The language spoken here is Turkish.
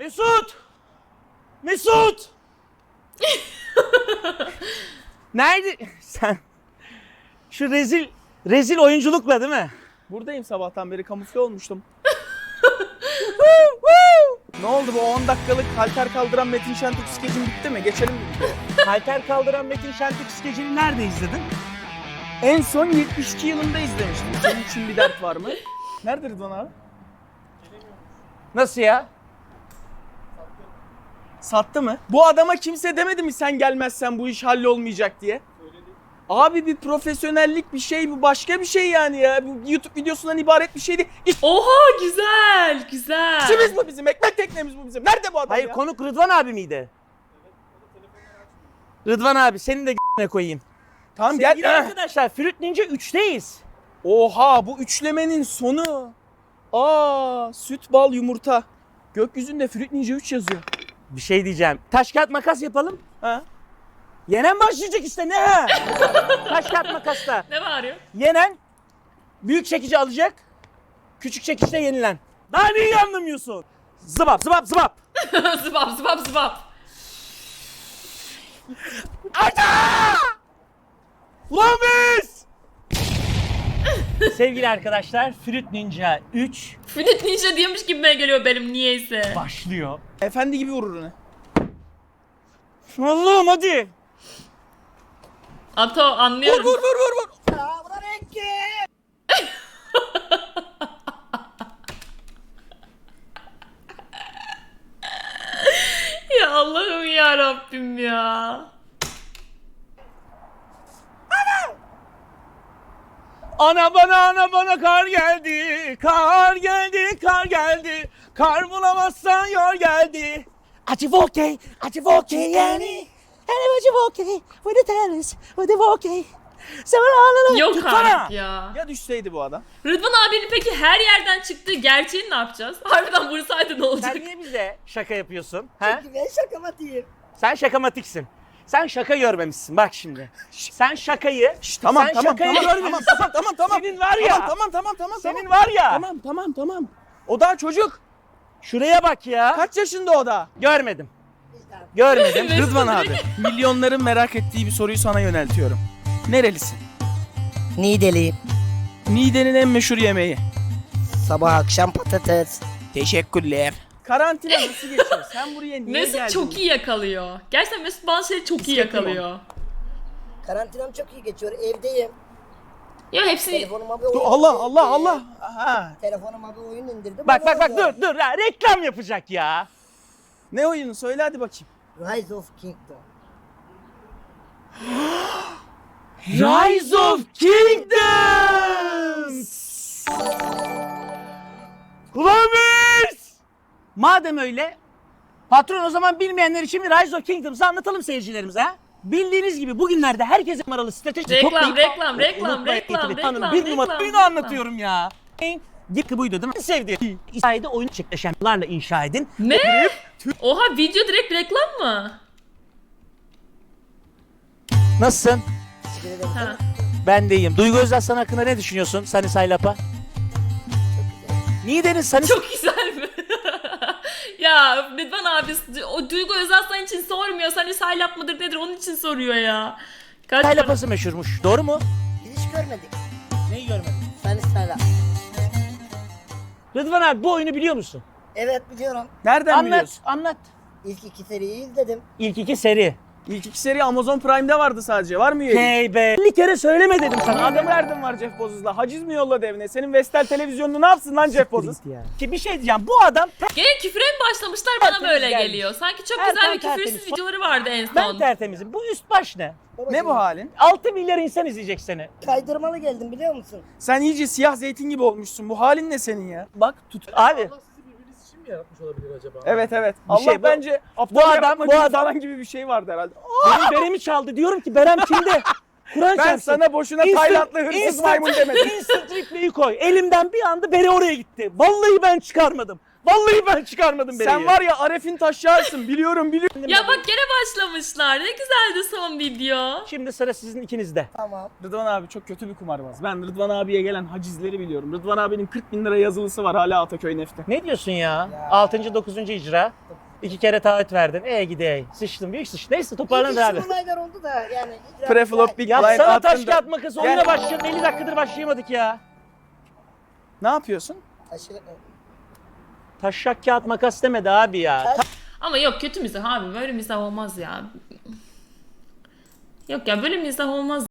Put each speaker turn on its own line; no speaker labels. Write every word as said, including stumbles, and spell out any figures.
Mesut! Mesut! Nerede? Sen şu rezil rezil oyunculukla değil mi?
Buradayım, sabahtan beri kamufle olmuştum. Ne oldu, bu on dakikalık halter kaldıran Metin Şentürk skecin bitti mi? Geçelim mi?
Halter kaldıran Metin Şentürk skecini nerede izledin?
En son yetmiş iki yılında izlemiştim. Senin için bir dert var mı? Nerede Rıdvan abi?
Nasıl ya?
Sattı mı? Bu adama kimse demedi mi sen gelmezsen bu iş hallolmayacak diye? Abi bir profesyonellik bir şey, bu başka bir şey yani ya. Bu YouTube videosundan ibaret bir şey değil.
Oha güzel güzel.
İşimiz bu bizim, ekmek teknemiz bu bizim. Nerede bu adam
Hayır
ya?
konuk Rıdvan abi miydi? Rıdvan abi senin de g***ne koyayım.
Tamam
Sevgili
gel.
arkadaşlar Fruit Ninja üçteyiz.
Oha, bu üçlemenin sonu. Aa, süt, bal, yumurta. Gökyüzünde Fruit Ninja üç yazıyor.
Bir şey diyeceğim. Taş kağıt makas yapalım.
Ha?
Yenen başlayacak işte ne ha? Taş kağıt makasla.
Ne bağırıyor?
Yenen büyük çekici alacak. Küçük çekiçte yenilen. Daha neyi anlamıyorsun? Zıbap zıbap zıbap.
zıbap zıbap zıbap.
Arda! Ulan biz! Sevgili arkadaşlar Fruit Ninja üç
Fruit Ninja diyormuş gibime geliyor benim niyeyse.
başlıyor.
Efendi gibi vurur onu.
Allah'ım hadi.
Ato
Vur
anlıyorum.
vur vur vur vur.
Ya Allah'ım ya Rabbim ya.
Ana bana ana bana kar geldi, kar geldi, kar geldi. Kar bulamazsan yor geldi. Acı vokey, acı vokey yani. Hele acı vokey, with the tennis, with the vokey.
Yok
Tutsana.
artık ya.
Ya düşseydi bu adam?
Rıdvan abinin peki her yerden çıktığı gerçeğini ne yapacağız? Harbiden vursaydı ne olacak?
Sen niye bize şaka yapıyorsun? He?
Çünkü ben şakamatik.
Sen şakamatiksin. Sen şaka görmemişsin bak şimdi. Sen şakayı,
Şş, tamam
sen
tamam
şakayı
tamam, tamam
görmemişsin.
tamam tamam tamam.
Senin var ya.
Tamam tamam tamam tamam.
Senin
tamam.
var ya.
Tamam tamam tamam. O daha çocuk.
Şuraya bak ya.
Kaç yaşında o da?
Görmedim. Görmedim.
Mesut
Rıdvan
direkt-
abi, milyonların merak ettiği bir soruyu sana yöneltiyorum. Nerelisin?
Niğdeliyim.
Niğde'nin en meşhur yemeği.
Sabah akşam patates.
Teşekkürler. Karantina nasıl geçiyor? Sen buraya niye
Mesut
geldin?
çok iyi yakalıyor. Gerçekten Mesut bazı şeyleri çok iyi
Bisikletim
yakalıyor.
Karantinam çok iyi geçiyor. Evdeyim.
Ya hepsi
Telefonuma bir
Dur,
oyun
Allah
indirdim.
Allah Allah. Aha.
Telefonuma bir oyun indirdim.
Bak
onu
bak bak
oynuyorum.
dur dur ya reklam yapacak ya.
Ne oyunu? Söyle hadi bakayım.
Rise of Kingdom.
Rise of Kingdoms. Ulan biz! Madem öyle patron o zaman bilmeyenler için bir Rise of Kingdoms'ı anlatalım seyircilerimize ha. Bildiğiniz gibi bugünlerde herkese numaralı strateji
Reklam,
toplayıp-
reklam, reklam,
Unutmayın,
reklam,
ekibi tanın.
reklam,
Bir numara
reklam,
oyunu
reklam.
anlatıyorum ya. Git buydu değil mi? Sevdiğim. İsa'yı oyun çekleşenlerle inşa edin.
ne? Oha video direkt reklam mı?
Nasılsın?
Teşekkür ederim.
Ha.
Ben de iyiyim. Duygu Özaslan hakkında ne düşünüyorsun Sunny Saylap'a? Niğde'nin Sunny
Çok güzel mi? Ya Rıdvan abi o Duygu Özaslan için sormuyor. Hani saylap mıdır nedir onun için soruyor ya. Kaç para-
Saylap'ası meşhurmuş. Doğru mu?
Biz hiç görmedik.
Neyi görmedin?
Sen sana.
Rıdvan abi bu oyunu biliyor musun?
Evet biliyorum.
Nereden
Anlat,
biliyorsun?
anlat.
İlk iki seriyi izledim.
İlk iki seri.
İlk iki seri Amazon Prime'de vardı sadece. Var mı üyelik?
Hey be. elli kere söyleme dedim sana.
Sana ne derdim var Jeff Bezos'la? Haciz mi yolladı evine? Senin Vestel televizyonunu ne yapsın lan Jeff Bezos?
Ki bir şey diyeceğim. Bu adam
Gene küfre mi başlamışlar bana
Tertemiz
böyle
gelmiş.
geliyor. Sanki çok
Erkan
güzel bir
tertemiz.
küfürsüz videoları vardı en
ben
son.
tertemizim. Bu üst baş ne?
Babacığım,
Ne bu halin?
altı milyar insan izleyecek seni.
Kaydırmalı geldim biliyor musun?
Sen iyice siyah zeytin gibi olmuşsun. Bu halin ne senin ya?
Bak tut. Abi
Evet evet. Allah
şey, bu-
bence
bu adam-
yapma
bu
gibi
adam-
falan gibi bir şey vardı herhalde.
benim beremi çaldı. Diyorum ki Berem kimde? Kur'an
Ben
çarpsın.
sana boşuna
Instant-
Taylandlı hırsız
instant-
maymun demedim.
Instant replay'i koy. Elimden bir anda bere oraya gitti. Vallahi ben çıkarmadım. Vallahi ben çıkarmadım bereyi.
Sen var ya Aref'in taşyarsın biliyorum biliyorum.
Ya bak gene başlamışlar. Ne güzeldi son video.
Şimdi sıra sizin ikinizde.
Tamam.
Rıdvan abi çok kötü bir kumarbaz. Ben Rıdvan abiye gelen hacizleri biliyorum. Rıdvan abinin kırk bin lira yazılısı var hala Ataköy Neft'te.
Ne diyorsun ya?
Ya.
Altıncı dokuzuncu icra. İki kere taahhüt verdin. E gidey. Sıçtım büyük sıç. Neyse toparlanır abi.
İlginç olaylar oldu da yani. icra-
Preflop Big
Ya
Blind
sana taş
attın da-
kağıt makas
Gel.
oyuna başlayalım. elli dakikadır başlayamadık ya.
Ne yapıyorsun?
Aşırı-
Taşak kağıt makas demedi abi ya.
Taş-
Ama yok kötü mizah abi. Böyle mizah olmaz ya. Yok ya böyle mizah olmaz.